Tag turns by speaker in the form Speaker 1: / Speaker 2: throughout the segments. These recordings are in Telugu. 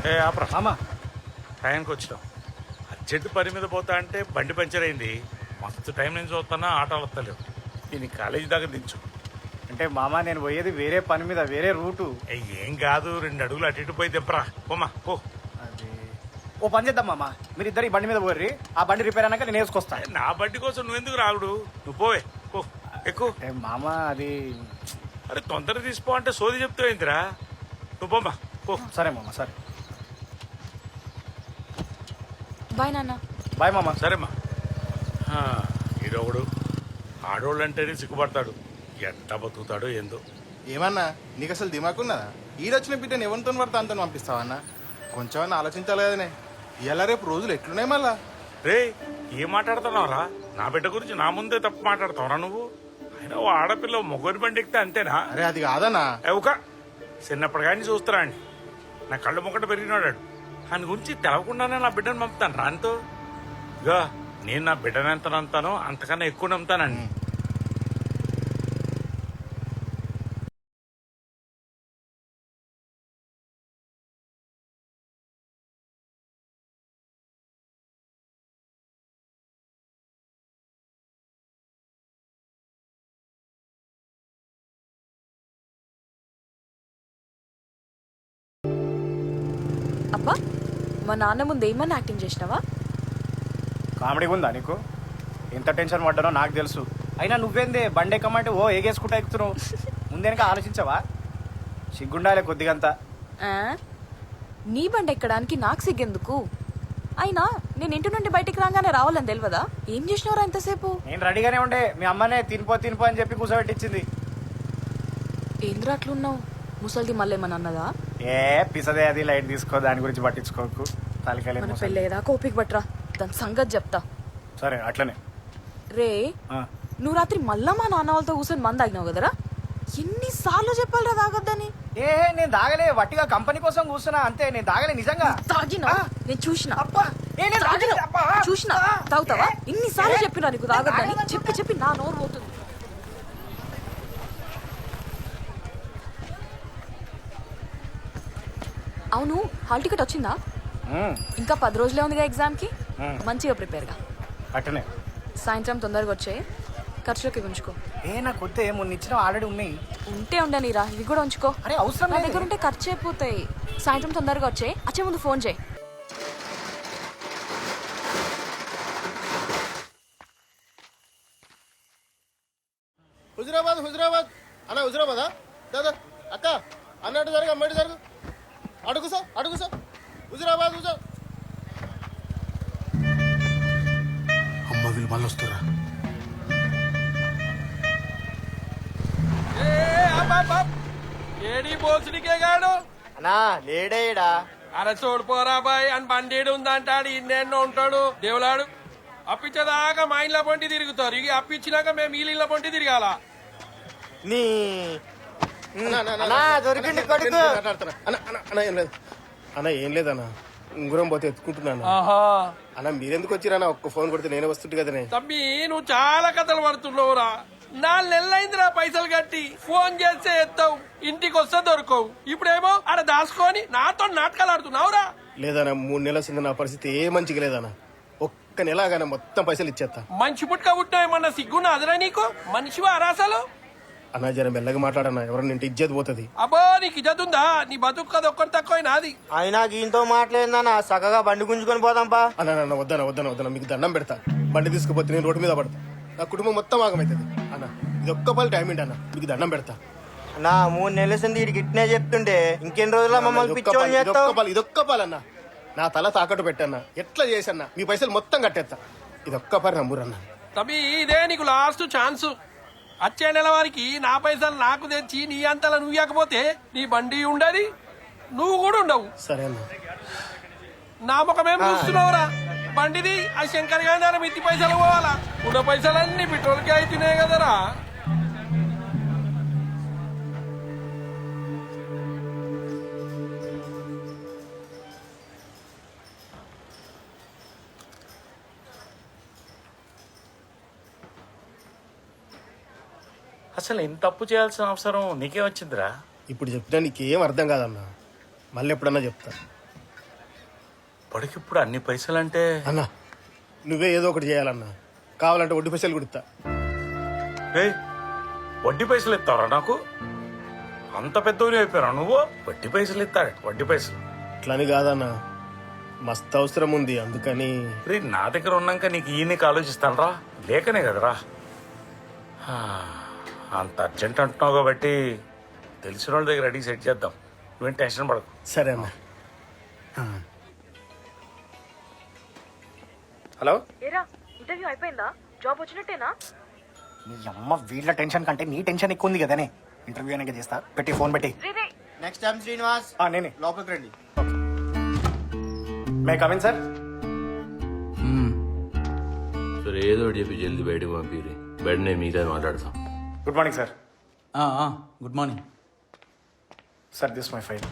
Speaker 1: ఏ ఆపరా
Speaker 2: మామా
Speaker 1: టైంకి వచ్చినాం. అర్జెంట్ పని మీద పోతా అంటే బండి పంచర్ అయింది. మస్తు టైం నుంచి చూస్తున్నా ఆటోలు వస్తలేవు. నేను కాలేజీ దాకా దించు.
Speaker 2: అంటే మామా నేను పోయేది వేరే పని మీద, వేరే రూటు.
Speaker 1: ఏం కాదు, 2 అడుగులు అటు ఇటు పోయి తెప్పరా. పోమా పో.
Speaker 2: అది ఓ పని చేద్దాం మామా, మీరు ఇద్దరు ఈ బండి మీద పోర్రి, ఆ బండి రిపేర్ అయినాక నేను వేసుకొస్తా.
Speaker 1: నా బండి కోసం నువ్వెందుకు రాగుడు? నువ్వు పోవే పో, ఎక్కువ.
Speaker 2: మామా అది
Speaker 1: అరే తొందరగా తీసిపో అంటే సోది చెప్తావు ఏంటిరా? నువ్వు పోమా పో.
Speaker 2: సరే మామా, సరే
Speaker 3: బాయ్ నాన్న.
Speaker 2: బాయ్ మామా.
Speaker 1: సరేమ్మా. ఈడొకడు ఆడోళ్ళు అంటేనే సిగ్గుపడతాడు. ఎంత బతుకుతాడో ఏందో.
Speaker 4: ఏమన్నా నీకు అసలు దిమాకున్నదా? ఈడొచ్చిన బిడ్డను ఎవరితో పడితే అంత పంపిస్తావన్నా? కొంచెం ఆలోచించాలి కదనే. ఇలా రేపు రోజులు ఎట్లున్నాయి మళ్ళా?
Speaker 1: రే ఏం మాట్లాడుతున్నావురా? నా బిడ్డ గురించి నా ముందే తప్పు మాట్లాడతావురా నువ్వు? అయినా ఓ ఆడపిల్ల మొగోని బండి ఎక్కితే అంతేనా?
Speaker 4: అరే అది కాదన్నా.
Speaker 1: ఒక చిన్నప్పుడు కానీ చూస్తారా అండి, నా కళ్ళు మొక్కట పెరిగినాడు. ఆయన గురించి తెలవకుండానే నా బిడ్డను పంపుతాను రానితో. ఇగా నేను నా బిడ్డను ఎంత నమ్ముతానో అంతకన్నా ఎక్కువ నమ్ముతానండి.
Speaker 3: అబ్బా, మా నాన్న ముందు ఏమన్నా యాక్టింగ్ చేసినావా?
Speaker 2: కామెడీ ఉందా నీకు? ఎంత టెన్షన్ పడ్డానో నాకు తెలుసు. అయినా నువ్వేందే బండి ఎక్కమంటే ఓ ఏగేసుకుంటా ఎక్కుతున్నావు. ముందేనక ఆలోచించావా? సిగ్గుండాలే కొద్దిగంతా.
Speaker 3: ఆ? నీ బండి ఎక్కడానికి నాకు సిగ్గెందుకు? అయినా నేను ఇంటి నుండి బయటికి రాగానే రావాలని తెలియదా? ఏం చేసినవరా ఇంతసేపు?
Speaker 2: నేను రెడీగానే ఉండే, మీ అమ్మనే తినిపో అని చెప్పి కూర్చోబెట్టించింది.
Speaker 3: ఏంద్రా అట్లున్నావు? ముసలిది మళ్ళీ ఏమన్నా అన్నదా?
Speaker 2: ఏ పిసదే, అది లైట్ తీసుకో, దాని గురించి పట్టించుకోకు.
Speaker 3: మన
Speaker 2: తలకాయలేదు.
Speaker 3: పెళ్ళేదా కోపిక పట్రా, దాని సంగతి చెప్తా.
Speaker 2: సరే అట్లనే.
Speaker 3: రే
Speaker 2: ఆ.
Speaker 3: నువ్వు రాత్రి మళ్ళా మా నాన్న వాళ్ళతో కూర్చొని మంది తాగినావు కదరా? ఎన్నిసార్లు చెప్పాలరా తాగొద్దని?
Speaker 2: ఏ నేను దాగలే, వట్టిగా కంపెనీ కోసం కూర్చున్నా అంతే. నేను దాగలే నిజంగా.
Speaker 3: తాగినా? నేను చూసిన.
Speaker 2: అబ్బా ఏ నేను తాగలే. అబ్బా.
Speaker 3: చూసిన. తాగుతావా? ఇన్నిసార్లు చెప్పినా నీకు తాగొద్దని. చెప్పి నా నోరు పోతుంది. అవును, హాల్ టికెట్ వచ్చిందా? ఇంకా 10 రోజులే ఉందిగా ఎగ్జామ్ కి. మంచిగా ప్రిపేర్ గా.
Speaker 2: అట్టనే
Speaker 3: సాయంత్రం తొందరగా వచ్చాయి, ఖర్చులకి ఉంచుకో.
Speaker 2: ఏ నాకు వద్దే, మొన్న ఇచ్చిన ఆల్రెడీ ఉన్నాయి.
Speaker 3: ఉంటే ఉండనిరా, ఇవి కూడా ఉంచుకో.
Speaker 2: అరే అవసరం
Speaker 3: నా
Speaker 2: లేదు.
Speaker 3: దగ్గర ఉంటే ఖర్చు అయిపోతాయి. సాయంత్రం తొందరగా వచ్చే ముందు ఫోన్ చేయి.
Speaker 4: హుజురాబాద్ అన్న, హుజురాబాదా? దాదా అక్క అన్నట్టు జరుగు, అమ్మటి జరుగు. అడుగు సార్ హుజురాబాద్. అమ్మ వీళ్ళు మళ్ళీ వస్తారా?
Speaker 5: ఏడి బోసుడికే గాడు
Speaker 2: అన్నా లేడేడా.
Speaker 5: అరే చూడిపోరా బాయ్ అని బండేడు ఉందంటాడు. ఇన్నెన్నో ఉంటాడు దేవులాడు. అప్పించేదాకా మా ఇంట్లో పొంటి తిరుగుతారు. ఇక అప్పించినాక మేము ఈ ఇళ్ళ పొంటి తిరగాల.
Speaker 2: నీ దొరికింది కొడుకు.
Speaker 4: అన్న ఏం లేదన్నా, ఉంగురం పోతే ఎత్తుకుంటున్నాను.
Speaker 5: ఆహా
Speaker 4: అన్న మీరెందుకు వచ్చిరన్నా? ఒక్క ఫోన్ కొడితే నేనే వస్తుంటే కదనే.
Speaker 5: తమ్మి నువ్వు చాలా కథలు పడుతున్నావురా. 4 నెలలైందిరా పైసలు కట్టి. ఫోన్ చేస్తే ఎత్తావు, ఇంటికి వస్తే దొరకవు. ఇప్పుడేమో ఆడ దాచుకొని నాతో నాటకాలు ఆడుతున్నావురా.
Speaker 4: లేదన్నా, 3 నెలల కింద నా పరిస్థితి ఏ మంచిగా లేదన్నా. ఒక్క నెలగానే మొత్తం పైసలు ఇచ్చేస్తా.
Speaker 5: మంచి పుట్టుక పుట్టినామన్న సిగ్గున్నా అదరా నీకు? మనిషివా అరాసలు?
Speaker 4: అన్నా జర మెల్లగా మాట్లాడన్నా, ఎవరన్నా ఇంటి ఇజ్జత్ పోతుంది.
Speaker 5: అబ్బో నీకు ఇజ్జతుందా? నీ బతుకు కదా ఒక్కటి తక్కువ నాది.
Speaker 2: అయినా గీంతో మాట్లాడిందన్నా, చక్కగా బండి గుంజుకొని పోదాంపా.
Speaker 4: అన్న వద్దన మీకు దండం పెడతా. బండి తీసుకుపోతే నేను రోడ్డు మీద పడతా, నా కుటుంబం మొత్తం ఆగమవుతుంది. అన్న ఇది ఒక్క పని టైం ఏంటి అన్న, మీకు దండం పెడతా.
Speaker 2: నా 3 నెలల సంది వీడికి ఇట్నే చెప్తుంటే ఇంకెన్ని రోజుల మమ్మల్ని పిచ్చోని చేస్తావు?
Speaker 4: ఇదొక్క పాలన్నా, నా తల తాకట్టు పెట్టన్నా, ఎట్లా చేసన్నా మీ పైసలు మొత్తం కట్టేస్తా. ఇదొక్క పని నమ్మురన్నా.
Speaker 5: తమ్మి ఇదే నీకు లాస్ట్ ఛాన్స్. వచ్చే నెల వారికి నా పైసలు నాకు తెచ్చి నీ అంతలా నువ్వు ఇవ్వకపోతే నీ బండి ఉండదు, నువ్వు కూడా ఉండవు.
Speaker 4: సరే అన్న.
Speaker 5: నా ముఖమేం చూస్తున్నావురా? బండిది ఆ శంకర్ గారి మిత్తి పైసలు పోవాలా? ఉన్న పైసలన్నీ పెట్రోల్కి అయితున్నాయి కదరా.
Speaker 1: అసలు ఇంత తప్పు చేయాల్సిన అవసరం నీకే వచ్చిందిరా?
Speaker 4: ఇప్పుడు చెప్పినా నీకేం అర్థం కాదన్నా, మళ్ళీ ఎప్పుడన్నా చెప్తా.
Speaker 1: ఇప్పటికిప్పుడు అన్ని పైసలంటే
Speaker 6: అన్న నువ్వే ఏదో ఒకటి చేయాలన్నా, కావాలంటే వడ్డీ పైసలు కుడతా.
Speaker 1: ఏయ్, వడ్డీ పైసలు ఇస్తావరా నాకు? అంత పెద్దవి అయిపోయారా నువ్వు? వడ్డీ పైసలు ఇస్తాడు, వడ్డీ పైసలు.
Speaker 6: అట్లని కాదన్నా, మస్తు అవసరం ఉంది అందుకని.
Speaker 1: రే, నా దగ్గర ఉన్నాక నీకు ఈయనకి ఆలోచిస్తాను రా, లేకనే కదరా. అంత అర్జెంట్ అంటున్నావు కాబట్టి తెలిసిన వాళ్ళ దగ్గర అడిగి సెట్ చేద్దాం, నువ్వేం టెన్షన్ పడకు.
Speaker 6: సరే అన్న.
Speaker 2: హలో,
Speaker 3: ఏరా ఇంటర్వ్యూ అయిపోయిందా? జాబ్ వచ్చినట్టేనా?
Speaker 2: నీ అమ్మ వీళ్ళ టెన్షన్ కంటే నీ టెన్షన్ ఎక్కువ ఉంది కదనే. ఇంటర్వ్యూ అనేది చేస్తా, పెట్టి ఫోన్ పెట్టి.
Speaker 4: నెక్స్ట్ టైం శ్రీనివాస్
Speaker 2: నేనే
Speaker 4: లోపలికి రండి.
Speaker 2: May come in sir.
Speaker 7: సరే ఏదో ఒకటి చెప్పి జల్దీ బయటకు పంపిరి. బయట నేను మీతో మాట్లాడతాం.
Speaker 2: Good morning sir.
Speaker 8: Good morning.
Speaker 2: Sir this my file.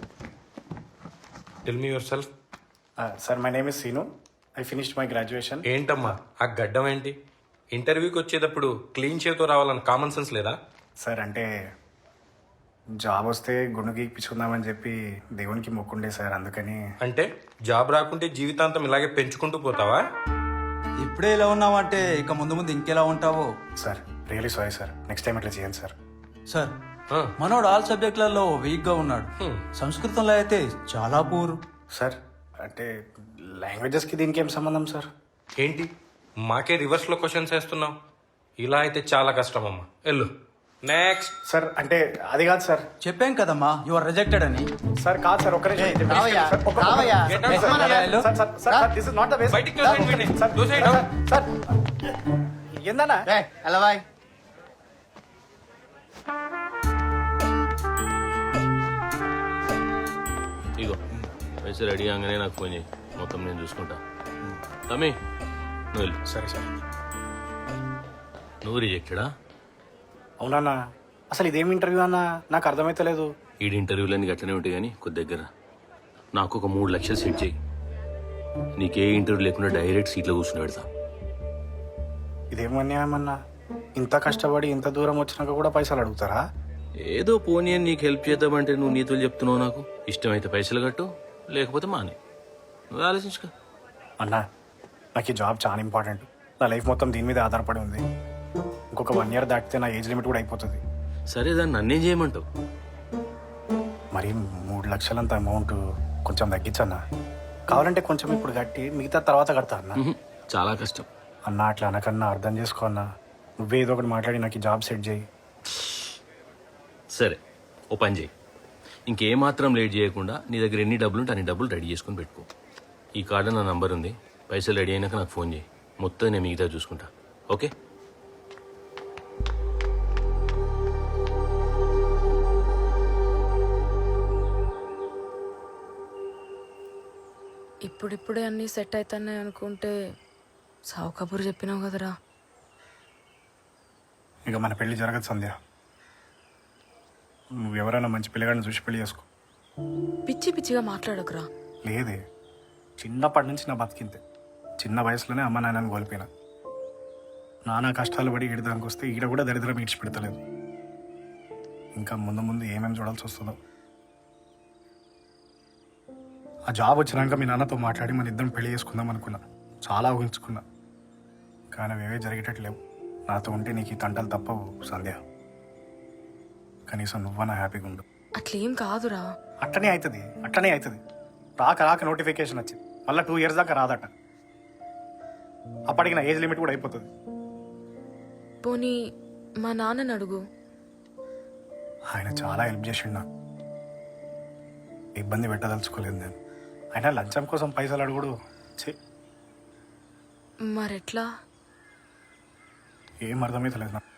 Speaker 9: Tell me yourself.
Speaker 2: Sir my name is Seenu. I finished my graduation.
Speaker 9: ఏంటమ్మా ఆ గడ్డం ఏంటి? ఇంటర్వ్యూకి వచ్చేటప్పుడు క్లీన్ చేతో రావాలని కామన్ సెన్స్ లేదా?
Speaker 2: సార్ అంటే జాబ్ వస్తే గుండు గీక్పించుకుందామని చెప్పి దేవునికి మొక్కుండే సార్, అందుకని.
Speaker 9: అంటే జాబ్ రాకుంటే జీవితాంతం ఇలాగే పెంచుకుంటూ పోతావా?
Speaker 8: ఇప్పుడే ఇలా ఉన్నావంటే ఇక ముందు ముందు ఇంకెలా ఉంటావో.
Speaker 2: Sir really sorry sir, next time ఇట్లా చేయండి సార్.
Speaker 8: సార్ మనోడు ఆల్ సబ్జెక్టులలో వీక్ గా ఉన్నాడు. సంస్కృతంలో అయితే చాలా పూర్.
Speaker 2: సార్ అంటే లాంగ్వేజెస్కి దీనికి ఏం సంబంధం సార్?
Speaker 9: ఏంటి మాకే రివర్స్లో క్వశ్చన్స్ వేస్తున్నావు? ఇలా అయితే చాలా కష్టం అమ్మా. వెళ్ళు నెక్స్ట్.
Speaker 2: సార్ అంటే అది కాదు సార్.
Speaker 8: చెప్పాం కదమ్మా యు ఆర్ రిజెక్టెడ్ అని.
Speaker 2: సార్ కాదు సార్, ఒక్కరే దిస్ ఇస్ నాట్ ద
Speaker 9: బయటికి తోసేయండి వీడిని. తోసేయండి.
Speaker 2: సార్ ఏందన్నా?
Speaker 4: ఎలా బాయ్?
Speaker 7: ఇగో పైసలు రెడీ కాగానే నాకు ఫోన్ చేయి, మొత్తం నేను చూసుకుంటా. తమ్మి నువ్వు వెళ్ళు.
Speaker 2: సరే సార్.
Speaker 7: నువ్వు రిజెక్టెడా?
Speaker 2: అవునన్నా, అసలు ఇదేం ఇంటర్వ్యూ అన్నా, నాకు అర్థమైతలేదు.
Speaker 7: ఈ ఇంటర్వ్యూలన్నీ గట్లనే ఉంటాయి కానీ కొద్ది దగ్గర నాకు ఒక 3 లక్షలు సెట్ చేయి. నీకే ఇంటర్వ్యూ లేకుండా డైరెక్ట్ సీట్లో కూర్చుని పెడతా.
Speaker 2: ఇదేం అన్యాయమన్నా, ఇంత కష్టపడి ఇంత దూరం వచ్చినాక కూడా పైసలు అడుగుతారా?
Speaker 7: ఏదో పోనీ అని నీకు హెల్ప్ చేద్దామంటే నువ్వు నీతులు చెప్తున్నావు. నాకు ఇష్టమైతే పైసలు కట్టు, లేకపోతే మానే. నువ్వు ఆలోచించుకో.
Speaker 2: అన్నా నాకు ఈ జాబ్ చాలా ఇంపార్టెంట్. నా లైఫ్ మొత్తం దీని మీద ఆధారపడి ఉంది. ఇంకొక 1 year దాటితే నా ఏజ్ లిమిట్ కూడా అయిపోతుంది.
Speaker 7: సరే దాన్ని నన్నేం చేయమంటావు?
Speaker 2: మరి 3 లక్షలంత అమౌంట్ కొంచెం తగ్గించన్నా. కావాలంటే కొంచెం ఇప్పుడు కట్టి మిగతా తర్వాత కడతా అన్న.
Speaker 7: చాలా కష్టం
Speaker 2: అన్న, అట్లా అనకన్నా అర్థం చేసుకో అన్నా. నువ్వే ఏదో ఒకటి మాట్లాడి నాకు ఈ జాబ్ సెట్ చేయి.
Speaker 7: సరే ఓ పని చేయి, ఇంకేమాత్రం లేట్ చేయకుండా నీ దగ్గర ఎన్ని డబ్బులు ఉంటే అన్ని డబ్బులు రెడీ చేసుకుని పెట్టుకో. ఈ కార్డు నా నంబర్ ఉంది, పైసలు రెడీ అయినాక నాకు ఫోన్ చేయి, మొత్తం నేను మిగతా చూసుకుంటా. ఓకే?
Speaker 3: ఇప్పుడిప్పుడే అన్నీ సెట్ అవుతున్నాయి అనుకుంటే సావు కబురు చెప్పినావు కదరా.
Speaker 2: ఇక మన పెళ్లి జరగదు సంధ్య. నువ్వు ఎవరైనా మంచి పిల్లగాడిని చూసి పెళ్లి చేసుకో.
Speaker 3: పిచ్చి పిచ్చిగా మాట్లాడకురా.
Speaker 2: లేదే, చిన్నప్పటి నుంచి నా బతికింతే. చిన్న వయసులోనే అమ్మ నాన్నని కోల్పోయినా. నానా కష్టాలు పడి ఈడదానికి వస్తే ఈడ కూడా దరిద్రం ఈడ్చిపెడతలేదు. ఇంకా ముందు ముందు ఏమేమి చూడాల్సి వస్తుందో. ఆ జాబ్ వచ్చినాక మీ నాన్నతో మాట్లాడి మన ఇద్దరం పెళ్లి చేసుకుందాం అనుకున్నా. చాలా ఊహించుకున్నా, కానీ అవేవే జరిగేటట్లేవు. నాతో ఉంటే నీకు ఈ తంటలు తప్పవు సంధ్య. కనీసం నువ్వన్నా హ్యాపీగా ఉండు.
Speaker 3: అట్లేం కాదురా.
Speaker 2: అట్లనే అవుతుంది. రాక నోటిఫికేషన్ వచ్చింది, మళ్ళీ 2 years దాకా రాదట. అప్పటికి నా ఏజ్ లిమిట్ కూడా అయిపోతుంది.
Speaker 3: పోనీ మా నాన్నని అడుగు.
Speaker 2: ఆయన చాలా హెల్ప్ చేసిండు నాకు. ఇబ్బంది పెట్టదలుచుకోలేదు నేను. ఆయన లంచం కోసం పైసలు అడుగుడు ఛీ,
Speaker 3: మరెట్లా?
Speaker 2: ఏం అర్థమైతలేదు నాకు.